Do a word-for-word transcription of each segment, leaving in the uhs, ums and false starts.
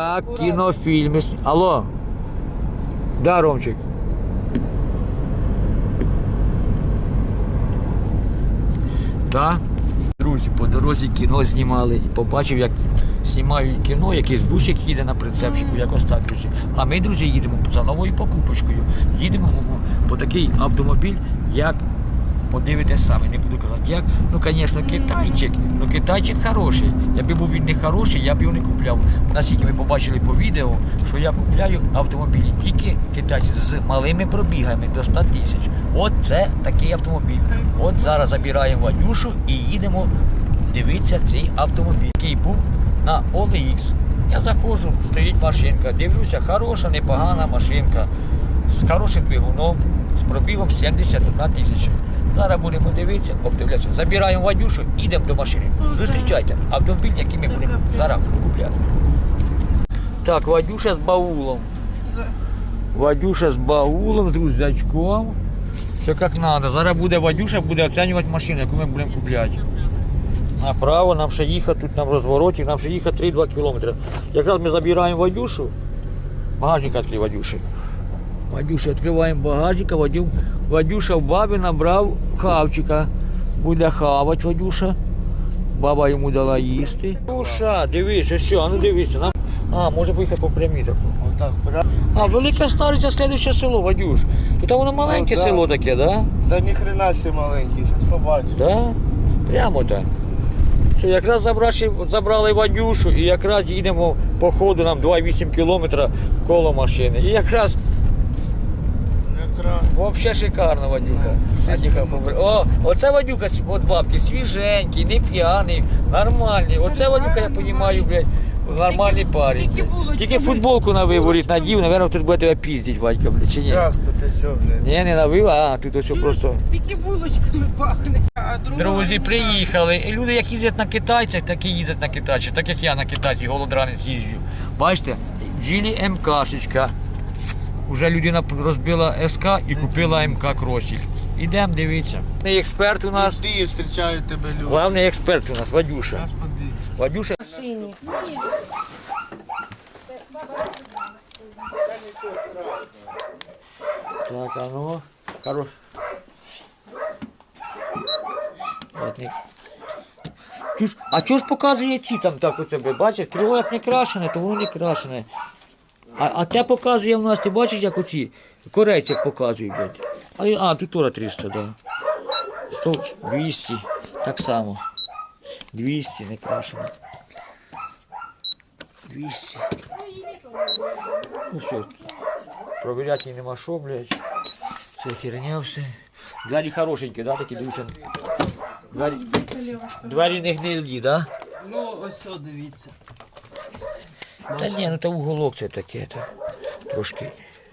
Так, кінофільми. Алло. Да, Ромчик. Да? Друзі, по дорозі кіно знімали і побачив, як знімають кіно, якийсь бусик їде на прицепчику, якось так, друзі. А ми, друзі, їдемо за новою покупочкою. Їдемо по такий автомобіль, як, подивитесь самі, не буду казати як. Ну, звісно, китайчик, ну китайчик хороший. Якби був він не хороший, я б його не купляв. Наскільки ми побачили по відео, що я купляю автомобілі тільки китайці з малими пробігами до ста тисяч. От це такий автомобіль. От зараз забираємо Вадюшу і їдемо дивитися цей автомобіль, який був на о ел ікс. Я заходжу, стоїть машинка, дивлюся, хороша, непогана машинка, з хорошим двигуном, з пробігом сімдесят одна тисяча. Зараз будемо дивитися, обдивлятися. Забираємо Вадюшу, їдемо до машини. Зустрічайте автомобіль, який ми будемо зараз купляти. Так, Вадюша з баулом. Вадюша з баулом, з рюкзачком. Все як треба. Зараз буде Вадюша, буде оцінювати машину, яку ми будемо купляти. Направо, нам ще їхати, тут нам розвороті, нам ще їхати три-два кілометри. Якраз ми забираємо Вадюшу. Багажник відкрив Вадюші. Вадюша, відкриваємо багажник, а Вадю, Вадюша в бабі набрав хавчика. Буде хавати Вадюша. Баба йому дала їсти. Вадюша, дивись, ось що, а ну дивися. Нам... А, може поїхати по прямій таку. А, Велика Стариця, слідуюче село, Вадюш. Тут воно маленьке О, да. село таке, да? Та ні хрена ще маленький, зараз побачиш. Да? Прямо так. Все, якраз забрали, забрали Вадюшу і якраз їдемо по ходу, нам два-вісім кілометрів коло машини. І якраз Якраз. взагалі шикарно, Вадюха. Вадюха побр- О, оце Вадюха від бабки, свіженький, не п'яний, нормальний. Оце Вадюха, я розумію, блядь, нормальний парень. блядь. Тільки футболку на виворіт надів, мабуть, тут буде тебе піздить, Вадька, блядь, чи ні? Як це ти що, блядь? Ні, не навив, а тут ось просто. Тільки булочками пахне. А друга Друзі, приїхали. І люди, як їздять на китайцях, так і їздять на китайцях. Так як я на китайці, голодранець їжджу. Бачите, Джілі МКшечка. Уже людина розбила СК і купила МК кросік. Ідемо, дивіться. Експерт у нас. Ти зустрічають тебе люди. Головний експерт у нас, Вадюша. Господи. Вадюша. машині. Так, а ну, хорош. Чуж, а чого ж показує ці там так у тебе? Бачиш, крило як не крашене, то воно не крашене. А, а те показує в нас, ти бачиш, як оці корейці як показують, блядь. А, а тут теж триста, да. сто, двісті, так само. двісті не крашене. двісті. Ну все, провіряти її нема що, блядь. Це херня все. Двері хорошенькі, да, такі, дивіться. Двері, двері не гнилі, да? Ну, ось о, дивіться. Та ні, ну та уголок це таке, то трошки.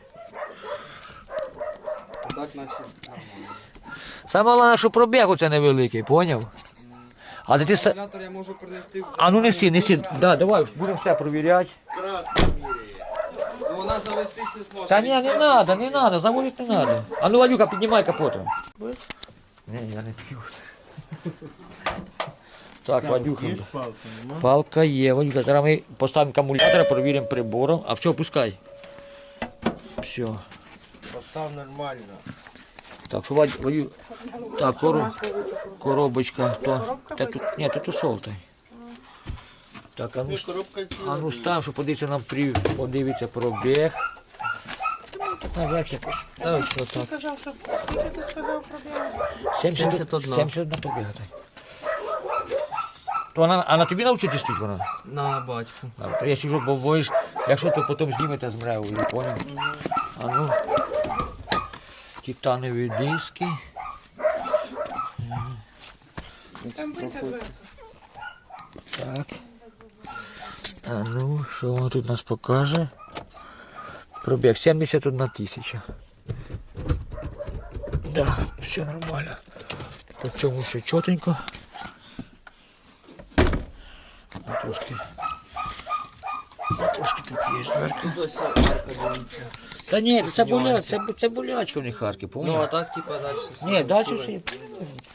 Так, наче нормально. Саме головне, що пробіг оце невеликий, поняв? А ти, ти... са- Акумулятор я можу принести в... А ну неси, неси, да, давай, будемо все провіряти. Красно міряє. Ну, вона завестись не зможе. Та ні, не треба, не треба, заводити не треба. А ну, Вадюка, піднімай капотом. Ні, я не п'ю. Так, Вадюха. Є палка, нема? Палка є, Вадюка. Зараз ми поставимо акумулятор, перевіримо прибором. А все, пускай. Все. Постав нормально. Так, що Вадю, Вадю... Так, коро... коробочка. То... Та тут... Ні, тут усолтай. Так, а ну, Ти коробка а ну став, щоб подивитися нам при... подивитися пробіг. Наверх якось. Ось отак. Сказав, що скільки ти сказав про біле? сімдесят один. сімдесят один пробіга. То вона, а на тобі навчити стоїть вона? На батьку. А, то я сижу, бо боїш, якщо то потім знімете з мревою, поняв? А ну, титанові диски. Там витягли. Так. А ну, що воно тут нас покаже? Пробіг сімдесят одна тисяча. Да, все нормально. По цьому все чотенько. А трошки. А трошки тут є дверка. Та ні, це, боля, це, це болячка в них харки, Ну, а помню? так, типа, дальше. Ні, далі все.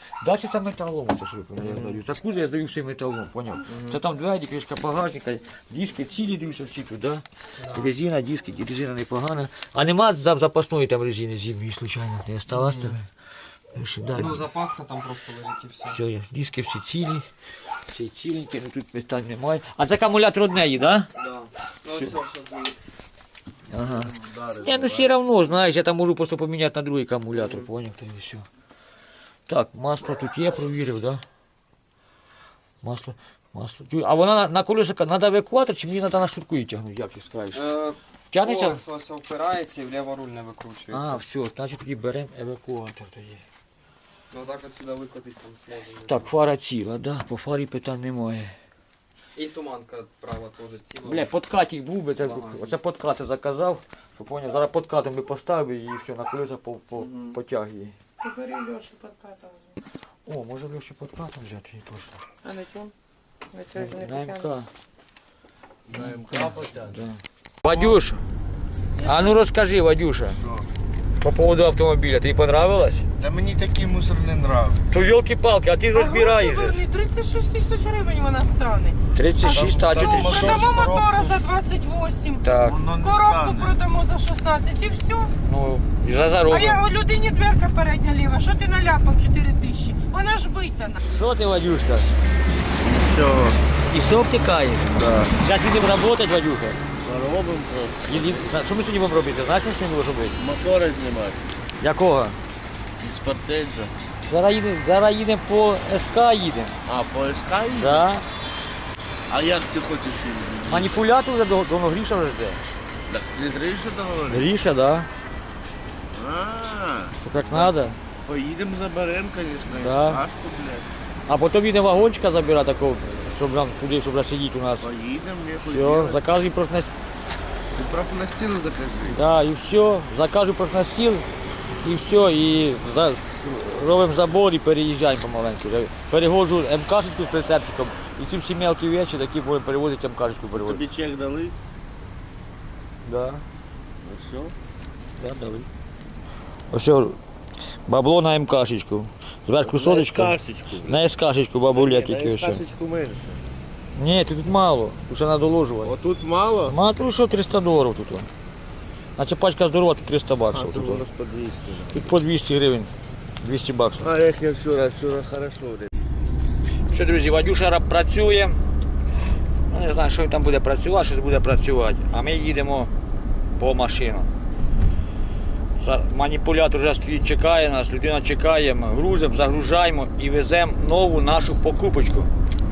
Далі це металом, це що я здаю. Це кузов я здаю все металом, поняв? Це там двері, кришка багажника, диски цілі дивлюся всі тут, да? Резина, диски, резина непогана. А нема за- запасної там резини зимньої, случайно, не осталась тебе? Ну, що, да. Ну, запаска там просто лежить і все. Все, є. Диски всі цілі, всі ціленькі, ну тут питань немає. А це акумулятор однеї, так? Да? Да. Ну все, що зробити. Ага. Я ну все равно, знаєш, я там можу просто поміняти на другий акумулятор, поняв, то і все. Так, масло тут є, провірив, да? Масло, масло. Тю- А вона на, на колесах, треба евакуатор, чи мені треба на шнурку її тягнути, як ти скажеш? Е, Тягнеться? Ось, ось впирається і вліво руль не викручується. А, все, значить тоді беремо евакуатор тоді. Ну так от сюди викотити там зможемо. Так, фара ціла, да, по фарі питань немає. І туманка права теж ціла. Бля, подкатик був би, це, Ага. оце подкати заказав, що поняв, зараз подкатом би поставив і все, на колесах по, по, потяг її. Ти бери Льошу подкатом. О, може Льоші подкатом взяти її точно. А на чому? На цьому ж не На МК. потягнеш. На МК потягне. Да. Вадюш, а ну розкажи, Вадюша, по поводу автомобіля, тобі понравилось? Та мені такий мусор не нравиться. То елки-палки, а ти ж А розбираєш. гроші же. верни, тридцять шість тисяч гривень вона стане. тридцять шість, а Там- чого ти? там- Продамо мотор, мотора коробку. за двадцять вісім. Так, Воно не Коробку стане. продамо за шістнадцять і все. ну, і за А заробимо. я у людині дверка передня ліва, що ти наляпав чотири тисячі? Вона ж битана. Що ти, Вадюшка? Все, І все втікаєш? да. Зараз їдемо працювати, Вадюха. Заробимо трохи. Їдем- Та Що ми сьогодні будемо робити? Знаєш, що ми будемо робити? Мотори знімати. Якого? З портеджа. Зараз їдемо, зараз їдемо по СК їдемо. А, по СК їде? Да. А як ти хочеш їздити? Маніпулятор вже до- давно Гріша вже жде. Так не Гриша договорив? Гріша, да. А, Все як треба. поїдемо заберемо, звісно, Да. СКшку, блядь. А потім їдемо вагончика забирати такого, щоб нам туди, щоб сидіти у нас. Поїдемо, нехуй Все, делать. заказуй профнастил. Ти просто на стіл закажи. Да, і все, закажу профнастил, і все, і за, робимо забор і переїжджаємо помаленьку. Перегоджу МКшечку з прицепчиком, і ці всі мелкі речі, такі будемо перевозити МКшечку перевозити. Тобі чек дали? Да, Ну все. да, дали. Ось бабло на МКшечку. Зверху соточку. На СКшечку. На СКшечку бабуля Ні, тільки на все. СКшечку менше. Ні, тут мало, тут ще треба доложувати. Отут мало? Ма тут що триста доларів тут. о. Значить пачка здорова, тут триста А, баксів. це Тут, о. воно ж по двісті. Тут по двісті гривень, двісті баксів. А як я вчора, вчора хорошо, блядь. Що, друзі, Вадюша раб працює. Ну, не знаю, що він там буде працювати, щось буде працювати. А ми їдемо по машину. За- Маніпулятор вже стоїть, чекає нас, людина чекає, ми грузимо, загружаємо і веземо нову нашу покупочку.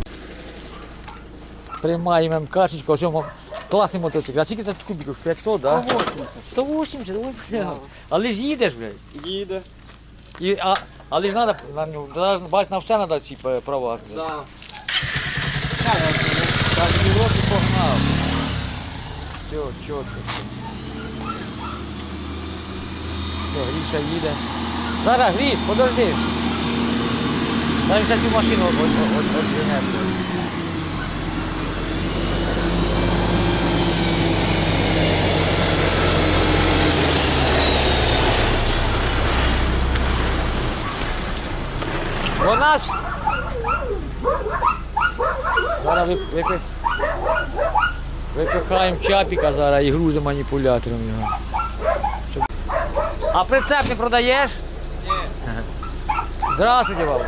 Приймаємо МКшечку, ось цьому класний мотоцикл. А скільки це кубиків? п'ятсот, так? Да? сто вісімдесят, ой, бля. Але ж їдеш, блядь. Їде. І, а, але ж треба, на нього, зараз, бач, на все треба ці е, права. Да. Так, Європі погнав. Все, чітко. Все. Все, Гріша їде. Зараз, Гріш, подожди. Зараз ще цю машину віджене. У нас зараз вип- випи- випихаємо чапіка зараз і грузимо маніпулятором його. Щоб- А прицеп не продаєш? Ні. Здравствуйте, бабу.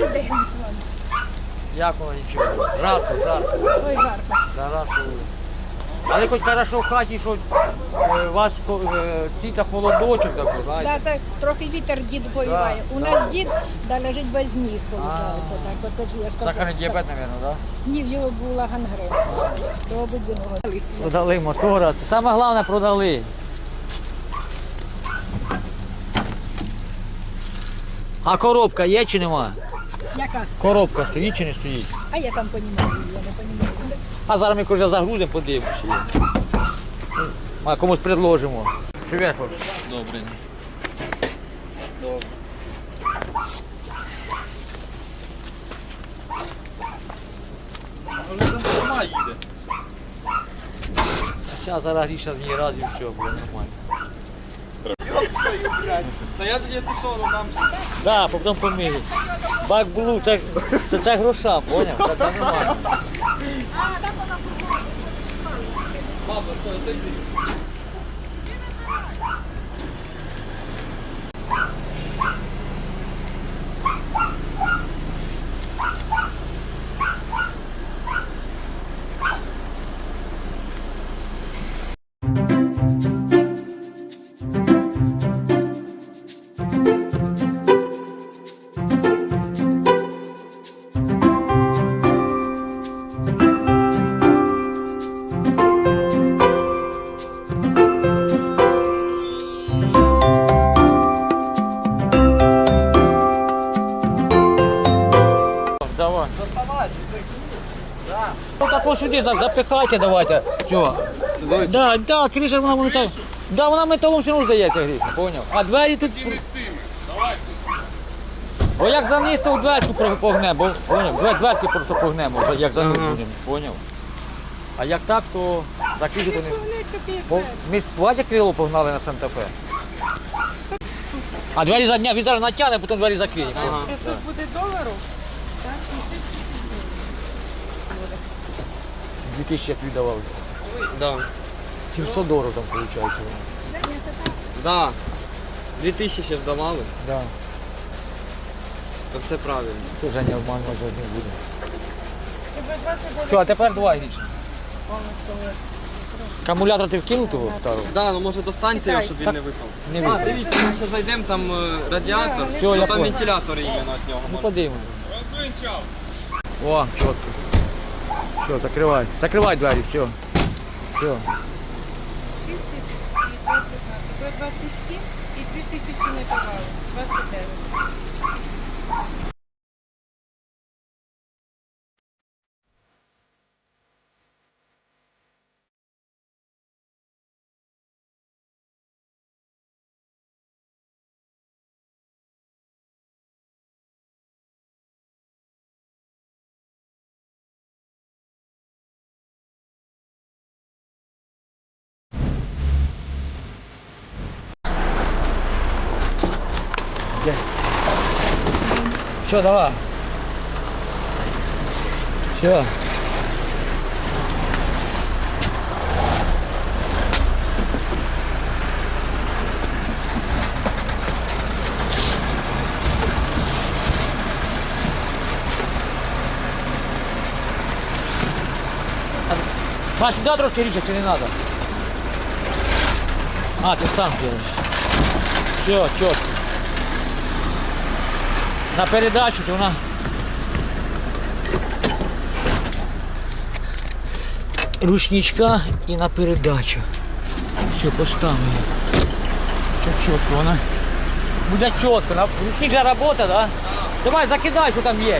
Як воно нічого? Жарко, жарко. Ой, жарко. Да, жарко. Але хоч хорошо в хаті, що е, у вас е, ці-то холодочок такий, знаєте. Да, це трохи вітер дід повіває. У нас дід да, лежить без ніг, виходить. Так, оце ж я ж кажу. Сахарний діабет, мабуть, так? Ні, в його була гангрена. До обидвиного. Продали мотора. Це саме головне продали. А коробка є чи нема? Яка? Коробка стоїть чи не стоїть? А я там понімаю, я не понімаю. А зараз ми коли загрузимо, подивимося. її. А комусь предложимо. Привіт, хлопці. Добре. Зараз зараз Гріша в ній раз і все, буде нормально. Та я тоді це що, ну нам Так, да, потім помиють. Бак було, це, це, це гроша, поняв? Це, це нормально. Баба, стой, отойди. Давай. Ну так ось сюди за- запихайте, давайте. Все. Сюди? Да, да, криша вона металом. Да, вона металом все одно здається, Гріша, поняв. А двері тут... Бо як за них, то в дверку про- погнемо, бо, поняв, Двер- дверки просто погнемо, за- як за них Ага. будемо, поняв. А як так, то закрити то не... Вони тобі Бо ми з Вадя крило погнали на Санта-Фе. А двері за дня, він зараз натягне, потім двері закриє. Ага. Тут буде доларів. Дві тисячі як віддавали. Да. сімсот доларів там виходить. Да. Дві тисячі ще здавали, Да. то все правильно. Це Женя обманювати не буде. Все, а тепер два річні. Акумулятор ти вкинув того старого? Да, ну може достаньте його, щоб він не випав. Не А, вийде. дивіться, ми ще зайдемо, там е, радіатор, Всьо, ну, я там понял. вентилятор іменно від нього. Ну може. подивимось. О, чітко. Все, закривай. Закривай двері, все. Все. двадцять сім і дві тисячі не давали. двадцять дев'ять. Все, давай. Все. Маш, сюда трошки річа, чи не надо? А, ти сам делаешь. Все, чітко. На передачу, то вона ручничка і на передачу. Все, поставили. Все чітко, вона буде чітко. На ручник же робота, да? Давай закидай, що там є.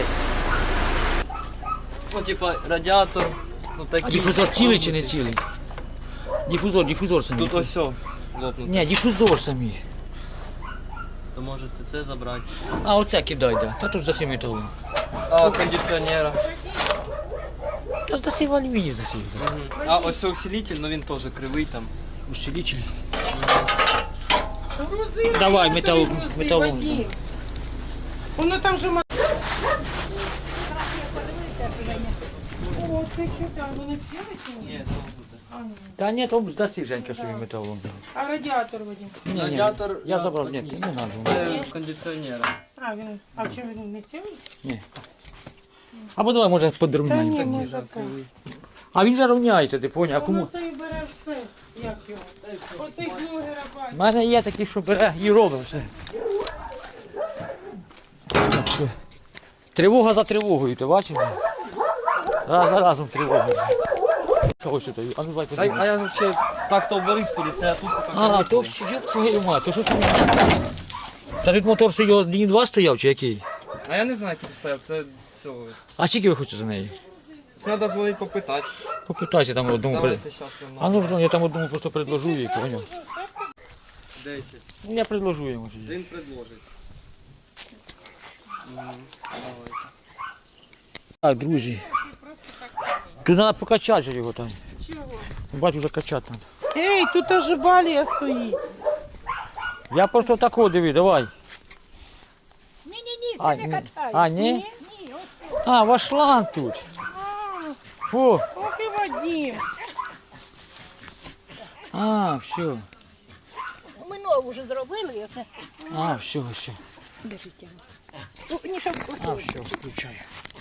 Ну, типа радіатор, ну А такий. дифузор цілий чи не цілий? Дифузор, дифузор самі. Тут ось все лопнуто. Ні, дифузор самі. То можете це забрати. А оце кидай, да. Та тут засів металом. А кондиціонера. Та засів алюміній засів. Мгм. А ось це усилитель, ну він теж кривий там. Усилитель. Грузи, Давай, грузи, метал- грузи, металом. Вадим. Воно там же... ма- О, ти що там, вони п'яли чи ні? Ні, сомкнуте. А, ні. Та ні, то засів Женька собі металом. А радіатор, Вадим? Ні, ні, Радіатор я на забрав, ні, плотні. не треба. Це кондиціонера. А, він... А в чому він не цілий? Ні. Або давай, може, Та подрівняємо. ні, Такий може же так. кривий. А він же рівняється, ти поняв, а Воно кому? це і бере все. Як його? Оцей блогера У бачить. мене є такі, що бере і робить все. Так, що? Тривога за тривогою, ти бачиш? Раз за разом тривога. Ось що, а ну давай А, подивимось. а я взагалі так-то в Борисполі, це я тут так. А, то все, ёб твою мать, то що ти? Та тут мотор що його один два стояв чи який? А я не знаю, хто стояв, це цього. А скільки ви хочете за неї? Це треба дзвонити попитати. Попитайся там одному. при- Давайте зараз прямо. А ну, я там одному просто предложу їй, поняв? десять. Ну, я предложу йому. Він предложить. М, Давайте. Так, друзі. Тут треба покачати же його там. Чого? Бачу, вже качати треба. Ей, тут аж балія стоїть. Я просто такого диви, давай. Ні-ні-ні, А, не ні. качаю. А, ні? Ні, ось. А, ваш шланг тут. Фу. Ох і Вадим. А, все. Ми нову вже зробили, і оце. А, все, все. Де життя? Ну, ні, щоб А, все, включаю.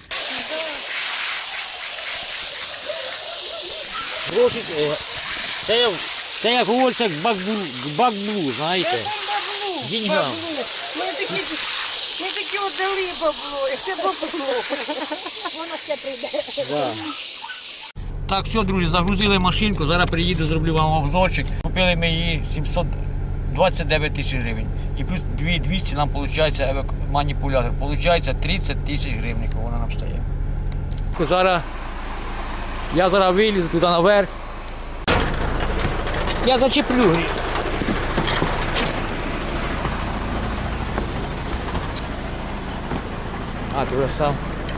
Гроші, е, це, як- це як говориться, бакблу, бакблу, знаєте. Це баблу. Деньгам. Баблу. Ми такі, ми такі отдали бабло, і це бабло. воно ще прийде. Так, все, друзі, загрузили машинку, зараз приїду, зроблю вам обзорчик. Купили ми її сімсот двадцять дев'ять тисяч гривень. І плюс дві тисячі двісті нам виходить маніпулятор. Получається тридцять тисяч гривень, вона нам стає. Зараз, я зараз вилізу туди наверх. Я зачеплю гріх. А, ти вже сам.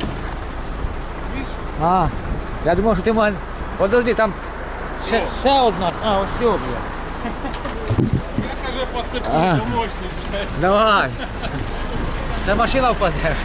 А, я думав, що ти мене. Подожди, там ще, ще одна. А, ось все, бля. Я подцеплю, А. помощник. Давай. Та машина впаде.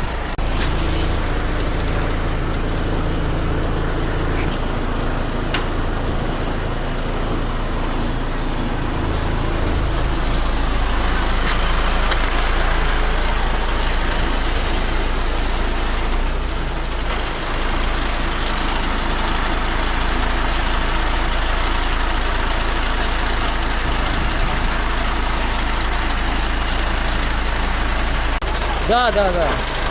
Да, да, да.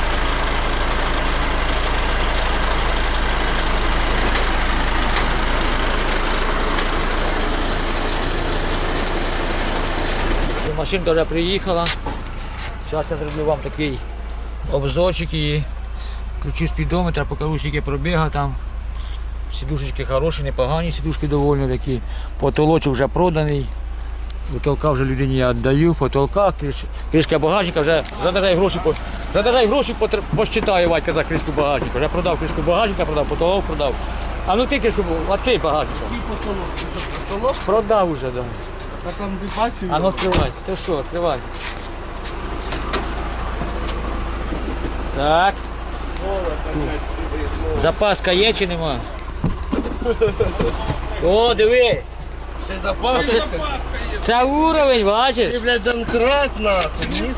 Машинка вже приїхала. Зараз я зроблю вам такий обзорчик і включу спідометр, покажу, скільки пробіга там. Сідушечки хороші, непогані, сідушки доволі такі. Потолочок вже проданий. Потолка вже людині я віддаю, потолка, криш, кришка багажника, вже задержай гроші, по, задержай гроші, потр- посчитаю, Вадька, за кришку багажника. Вже продав кришку багажника, продав, потолок продав. А ну ти кришку, відкрий багажника. Який потолок? Ти що, потолок? Продав уже, да. А там не бачив? А ну відкривай, ти що, відкривай. Так, запаска є чи нема? О, диви, Це запасочка? це уровень, бачиш? Ти, блядь, донкрат, нахуй. Ні-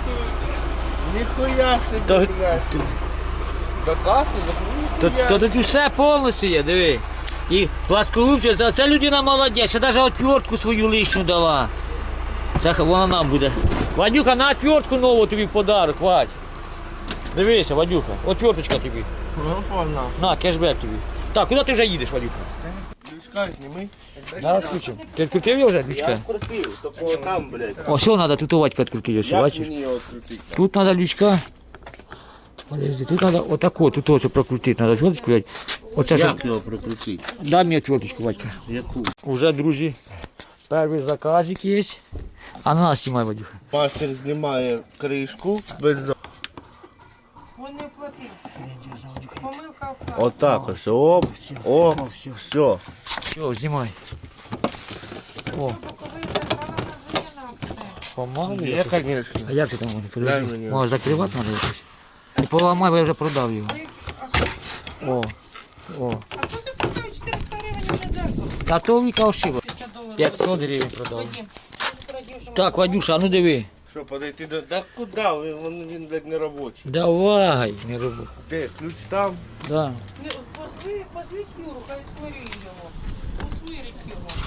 Ніхуя собі, То- блядь. Закату, То, ніхуя. то тут все повністю є, диви. І пласкогубці, це, це людина молодець, ще навіть отвертку свою лишню дала. Це х- вона нам буде. Вадюха, на отвертку нову тобі в подарок, Вадь. Дивися, Вадюха, отверточка тобі. Ну, погнав. На, кешбек тобі. Так, куди ти вже їдеш, Вадюха? Лючка зніми. На, включимо. Ти відкрутив його вже, Я лючка? вкрутив, такого там, блядь. О, все, треба, тут у Вадька відкрутив, ось, Як бачиш? мені його відкрутити? Тут треба лючка. Подожди, тут треба отако, тут ось прокрутити, треба отверточку взяти. Оце щоб... Як його прокрутити? Дай мені отверточку, Вадька. Яку? Уже, друзі, перший заказик є. А на нас знімай, Вадюха. Мастер знімає кришку без за- Він не платив. Помилка в хаті. Отак ось, оп, оп, все. все. Все, знімай. О, Боковий забрала на дві помалу. Є, звісно. А як ти там можеш? Дай мені. Може закривати треба якось? Не поламай, бо я вже продав його. О, о. А хто ти поставив чотириста гривень на дзеркало? Та то Віка ошиба. п'ятдесят доларів. п'ятсот гривень продав. Вадим, радіжу. Так, Вадюша, а ну диви. Що, подойти до... Так куди? Він, він, він блядь, не робочий. Давай, не роби. Де? Ключ там? Да. Не, позви- Позвіть Юру, хай сварить його. Усвирить його.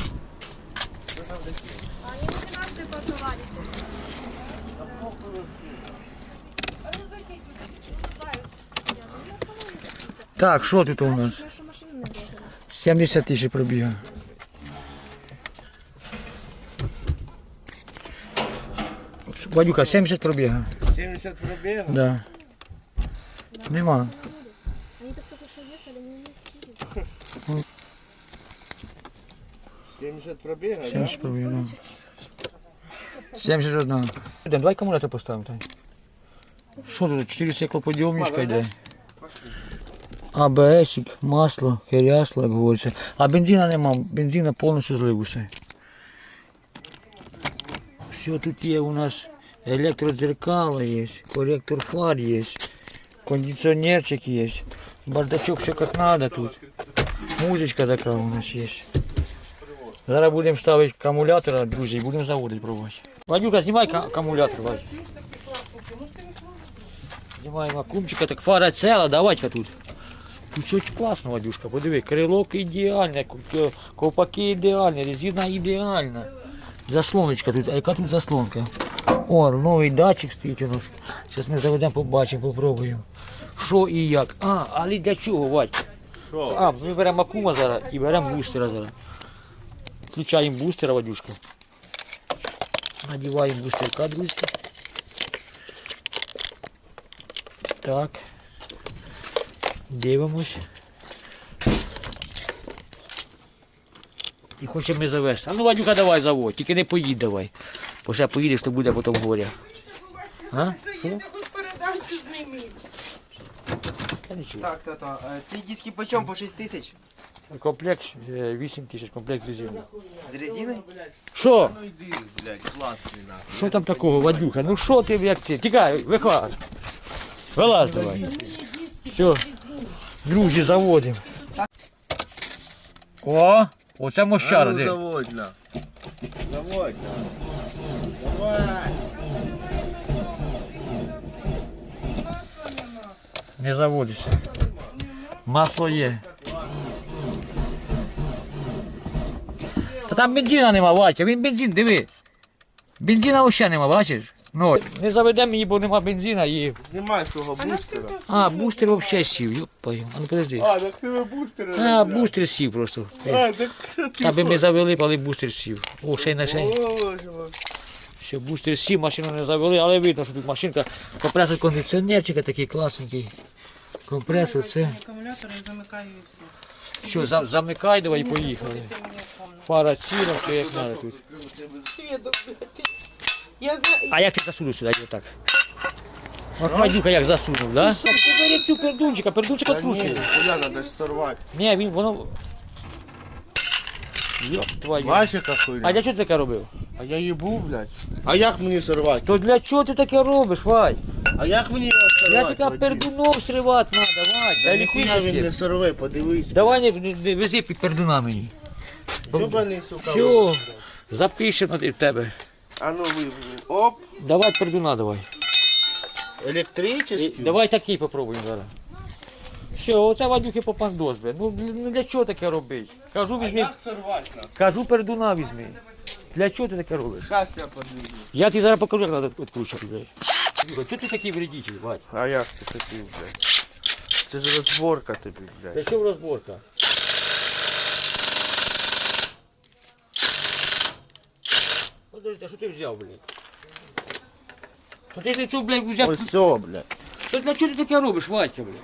Так, що тут у нас? сімдесят тисяч пробіга. Вадюка, сімдесят пробіга. сімдесят пробіг? Да. Нема. сімдесят пробіг, да? сімдесят пробіга. Да. сімдесят один. Йдемо, давай акумулятор поставимо. Тань. Що тут? чотири стеклоподйомничка йде. АБСик, масло, керясло, як говориться. А бензина нема, бензина повністю злив усе. Все тут є у нас Електродзеркало є, корректор фар є, кондиціонерчик є. Бардачок все як треба тут. Музичка така у нас є. Зараз будемо ставити акумулятор, друзі, і будемо заводити пробувати. Вадюка, знімай ка- акумулятор, Вадь. Знімаємо акумчика, так фара ціла, давай-ка тут. Тут все класно, Вадюшка, подиви, крилок ідеальне, ку- ковпаки ідеальні, резина ідеальна. Заслоночка тут, а яка тут заслонка? О, новий датчик стоїть у нас. Зараз ми заведемо, побачимо, попробуємо. Що і як. А, але для чого, Вадь? Що? А, ми беремо акума зараз і беремо бустера зараз. Включаємо бустера, Вадюшка. Надіваємо бустерка, друзі. Так. Дивимось. І хочемо ми завести. А ну, Вадюка, давай заводь, тільки не поїдь давай. Бо ще поїдеш, то буде потім горя. А? Що? Заїде, хоч передачу зніміть. Я не чую. Так, тато, е, ці диски по чому? По шість тисяч? Комплект е, вісім тисяч, комплект з резиною. З резиною? Що? Ну йди, блядь, класний нахуй. Що там такого, Вадюха? Ну що ти, як це? Тікай, виходь. Вилазь давай. Все. Друзі, заводимо. О, оце мощара, А ну, де? заводь на. Заводь на. Давай. Не заводиться. Масло є. Та там бензина нема, Вадька, він бензин, диви. Бензина взагалі нема, бачиш? Ну, не заведемо її, бо нема бензина і... Знімай свого бустера. А, бустер взагалі сів, йопаю. А ну подожди. А, так тебе бустера. А, забрав. бустер сів просто. А, так що ти? Аби ми завели, але бустер сів. О, ще й на ще. Боже мой. Все, бустер сів, машину не завели, але видно, що тут машинка. Компресор кондиціонерчика такий класненький. Компресор, це. Акумулятор і замикаю. Що, за- замикай, давай і поїхали. Фара ціла, все як треба тут. Свідок, блядь. Я знаю. А як ти засунув сюди, отак? От Вадюка як засунув, да? Ти бери цю пердунчика, пердунчик Та ні, відкручує. хуя, надо ж сорвати. Ні, він, воно... Йоп, твою. Бачиш, яка А хуйня? для чого ти таке робив? А я їбу, блядь. А як мені сорвати? То для чого ти таке робиш, Вадь? А як мені його Я сорвати? тільки Вадим? пердуном сривати треба, Вадь. Та Та ніхуя він електричний. не сорве, подивись. Давай не, не, не вези під пердуна мені. Ёбаний, сука. Все, запишемо в тебе. А ну ви, оп, Давай пердуна давай. І електричний. давай такий попробуємо зараз. Все, оце Вадюхи попандос, бля. Ну, ну для чого таке робити? Кажу, А візьми, як сорвати нам? кажу, пердуна візьми. Для чого ти таке робиш? Щас я подивлюсь. Я тобі зараз покажу, як треба відкручувати, блядь. Вадюха, чого ти такий вредитель, Вадь? А як ти хотів, блядь? Це ж розборка тобі, блядь. Для чого розборка? Подожди, а що ти взяв, блядь? То ти ж не цю, блядь, взяв. Ось все, блядь. То для чого ти таке робиш, Вадька, блядь?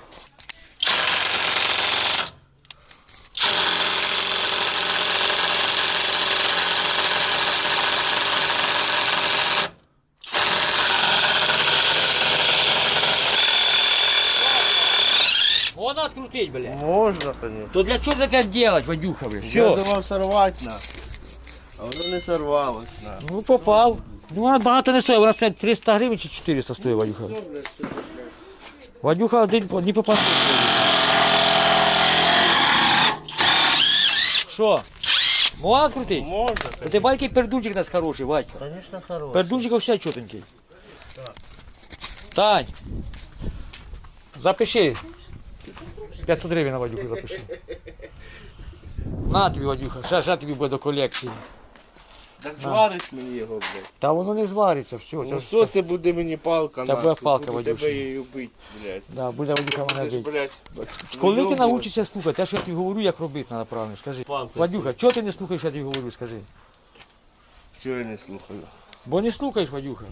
Вона відкрутить, блядь. Можна, конечно. То для чого таке робити, Вадюха, блядь? Я Все. думав сорвати на. А воно не сорвалось на. Ну попав. Ну вона багато не стоїть, вона стоїть триста гривень чи чотириста стоїть, Вадюха. Ну, блядь, що ти, блядь. Вадюха один по- не попав. Що? Можна крутити? Можна, А ти бачиш, який пердунчик у нас хороший, Вадька. конечно, хороший. Пердунчик вообще чотенький. Тань, запиши. п'ятсот гривень на Вадюху запиши. На тобі, Вадюха, ще, ще тобі буде до колекції. Так звариш мені його, блядь. Та воно не звариться, все. Ну Це, що це буде мені палка, Це нахуй, буде палка, буду Вадюша. тебе її бить, блядь. да, буде Вадюха мене Ти ж, бити. блядь, Коли ти вийобуєш. навчишся слухати, те, що я тобі говорю, як робити треба правильно, скажи. Палка. Вадюха, чого ти не слухаєш, що я тобі говорю, скажи. Чого я не слухаю? Бо не слухаєш, Вадюха.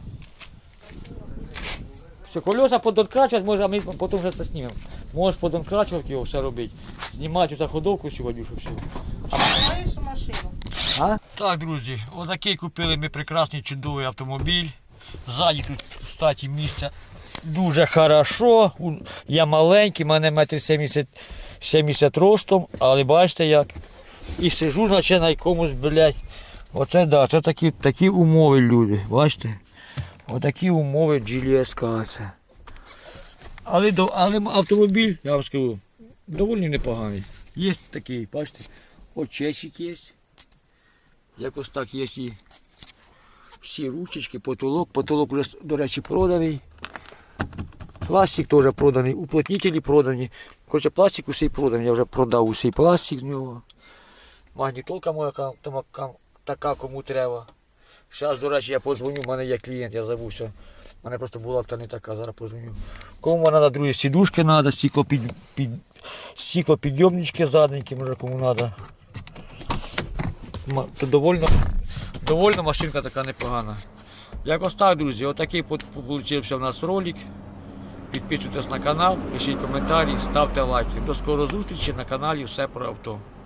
Все, колеса подонкрачувати, може, а ми потім вже це знімемо. Можеш подонкрачувати його, все робити. Знімати за ходовку всю, Вадюшу, всю. Маєш машину? А? Так, друзі, отакий купили ми прекрасний чудовий автомобіль. Ззаді тут, кстати, місця дуже хорошо. У- Я маленький, мене метр сімдесят, сімдесят ростом, але бачите як. І сижу, наче на якомусь, блядь. Оце да, це такі, такі умови, люди. Бачите? Отакі умови джі ел ес ка це. Але, до- але автомобіль, я вам скажу, доволі непоганий. Є такий, бачите, очечик є. Якось так є і всі ручечки, потолок. Потолок вже, до речі, проданий. Пластик теж проданий, уплотнителі продані. Короче, пластик усій проданий, я вже продав усій пластик з нього. Магнітолка моя ка- там, ка- така, кому треба. Зараз, до речі, я подзвоню, в мене є клієнт, я забувся. У мене просто була та не така, зараз подзвоню. Кому треба, друзі, сідушки треба, стеклопід, під, стеклопідйомнички задненькі, може кому треба. Ма- То довольно, довольно машинка така непогана. Якось так, друзі, отакий вийшов у нас ролик. Підписуйтесь на канал, пишіть коментарі, ставте лайки. До скорої зустрічі на каналі Все про авто.